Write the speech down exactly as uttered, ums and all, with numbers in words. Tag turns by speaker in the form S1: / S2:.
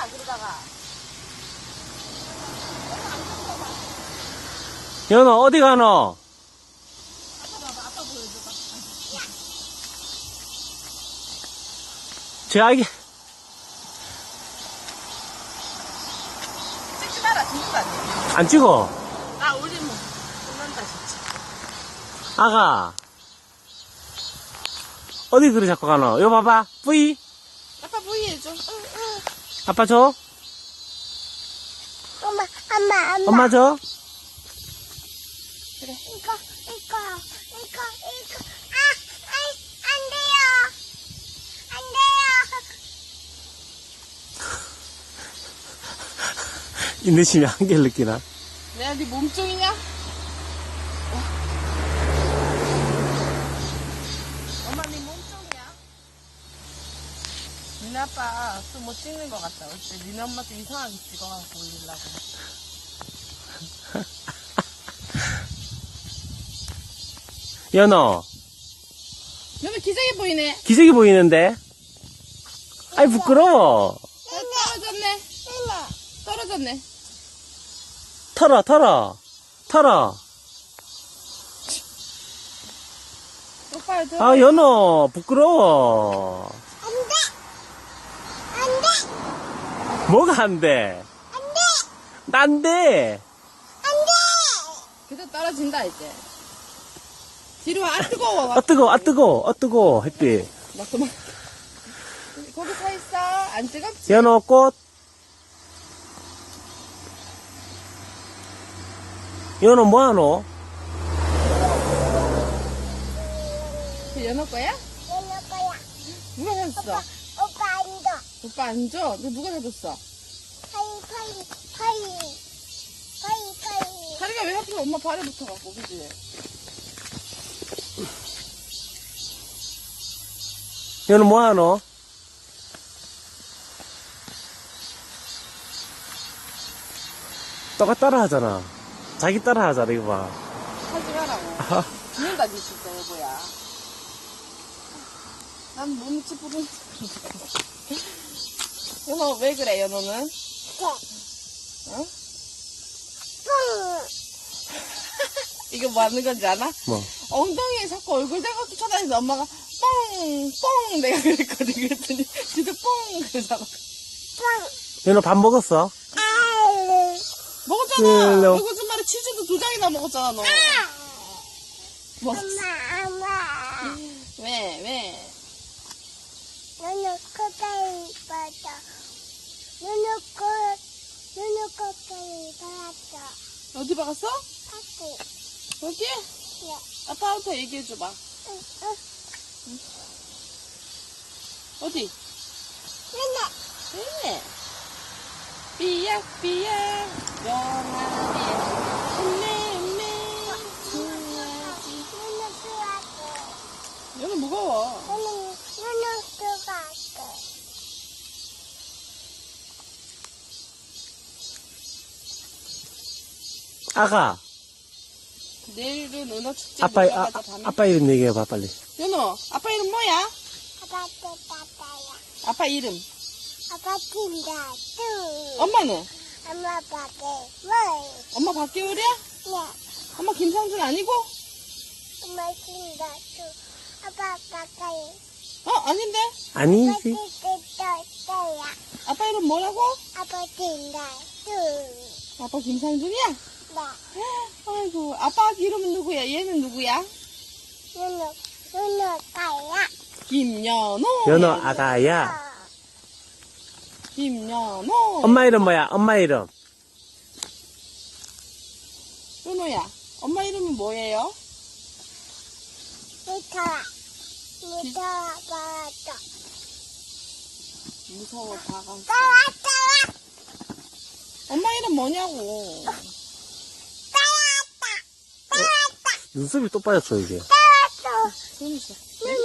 S1: 가, 그러다가.
S2: 연어, 어디 가노?
S1: 아빠 봐봐, 아빠 보여줘봐.
S2: 제 아기,
S1: 찍지 마라, 죽는 거 아니야?
S2: 안 찍어.
S1: 아, 우리 뭐, 끝난다, 진짜.
S2: 아가. 어디 그리 자꾸 가노? 요 봐봐. 뿌이.
S1: 아빠 부위 해줘. 응, 응.
S2: 아빠 줘.
S3: 엄마, 엄마, 엄마.
S2: 엄마 줘.
S1: 그래.
S3: 이거, 이거, 이거, 이거. 아, 아, 안 돼요. 안 돼요.
S2: 인내심이 한계를 느끼나?
S1: 내가 네 몸종이냐? 엄마 네 몸종이야? 니네 아빠 또 못 찍는 것 같다. 어째 니네 엄마도 이상하게 찍어갖고 올리려고.
S2: 연어,
S1: 너무 기생해 보이네.
S2: 기색이 보이는데? 아이, 부끄러워.
S1: 어, 떨어졌네. 떨어졌네.
S2: 털어, 털어. 털어.
S1: 오빠 저.
S2: 아, 연어, 부끄러워.
S3: 안 돼. 안 돼.
S2: 뭐가 안 돼?
S3: 안 돼.
S2: 난 돼.
S3: 안 돼.
S1: 그저 떨어진다 이제. 뒤로 와. 아 뜨거워.
S2: 아, 뜨거, 아, 뜨거, 아, 뜨거, 햇빛.
S1: 막 그만. 거기 서 있어. 안 뜨겁지?
S2: 연어 꽃. 연어 뭐하노?
S1: 연어 거야?
S3: 얘는 거야.
S1: 누가 사줬어?
S3: 오빠 안 줘.
S1: 오빠 안 줘? 너 누가 사줬어?
S3: 파이, 파이, 파이. 파이, 파이.
S1: 다리가 왜 하필 엄마 발에 붙어갖고, 그지?
S2: 연어 뭐하노? 너가 따라 하잖아. 자기 따라 하잖아, 이거 봐.
S1: 하지 마라고.
S2: 아,
S1: 죽는다, 니 진짜, 여보야. 난 몸치 부른. 연어, 왜 그래, 연어는?
S3: 네.
S1: 어?
S3: 뿡.
S1: 이거 뭐 하는 건지 아나?
S2: 뭐.
S1: 엉덩이에 자꾸 얼굴 대고 쫓아다니는데 엄마가 뻥! 뻥! 내가 그랬거든. 그랬더니 지도 뻥! 그러잖아.
S3: 뿡.
S2: 연어 밥 먹었어?
S3: 아유.
S1: 먹었잖아.
S2: 네,
S1: 얼굴 좀 말에 치즈도 두 장이나 먹었잖아, 너. 먹었어.
S3: 엄마, 엄마.
S1: 왜, 왜?
S3: 너는 코다리 받아. 너는 코, 너는 코다리 받아.
S1: 어디 박았어?
S3: 파티.
S1: 여기?
S3: 네.
S1: 아빠한테 얘기해줘봐.
S3: 응, 응.
S1: 어디?
S3: 너는.
S1: 네. 삐약삐약, 영아비, 음메, 음메, 좋아하지.
S3: 너는 좋아하고.
S1: 얘는 무거워.
S3: 너는, 너는 좋아하고.
S2: 아가.
S1: 내일은 은어축제
S2: 아빠,
S1: 놀러
S2: 아,
S1: 가자,
S2: 아,
S1: 밤에.
S2: 아빠 이름 얘기해봐, 빨리.
S1: 연호, 아빠 이름 뭐야?
S3: 아빠한테 받아야.
S1: 아빠 이름.
S3: 아빠 팀다, 뚜.
S1: 엄마는?
S3: 엄마 받아, 뭘.
S1: 엄마 박계울이야?
S3: 네.
S1: 엄마 김상준 아니고?
S3: 엄마 팀다, 뚜. 아빠 가까이.
S1: 어, 아닌데?
S3: 아빠
S2: 아니지.
S3: 팀다, 뚜야.
S1: 아빠 이름 뭐라고?
S3: 아빠 팀다, 뚜.
S1: 아빠 김상준이야?
S3: 네.
S1: 아이고, 아빠 이름은 누구야? 얘는 누구야?
S3: 누누, 누누 가야.
S1: 김연호.
S2: 연어 아가야.
S1: 김연호.
S2: 엄마 이름 뭐야? 엄마 이름.
S1: 연호야, 엄마 이름은 뭐예요?
S3: 무서워. 무서워, 봐줘.
S1: 무서워, 다가.
S3: 따와, 따와.
S1: 엄마 이름 뭐냐고.
S3: 따왔다. 따왔다.
S2: 눈썹이 또 빠졌어, 이게.
S3: 따왔어.
S1: 손이 있어.
S3: 누누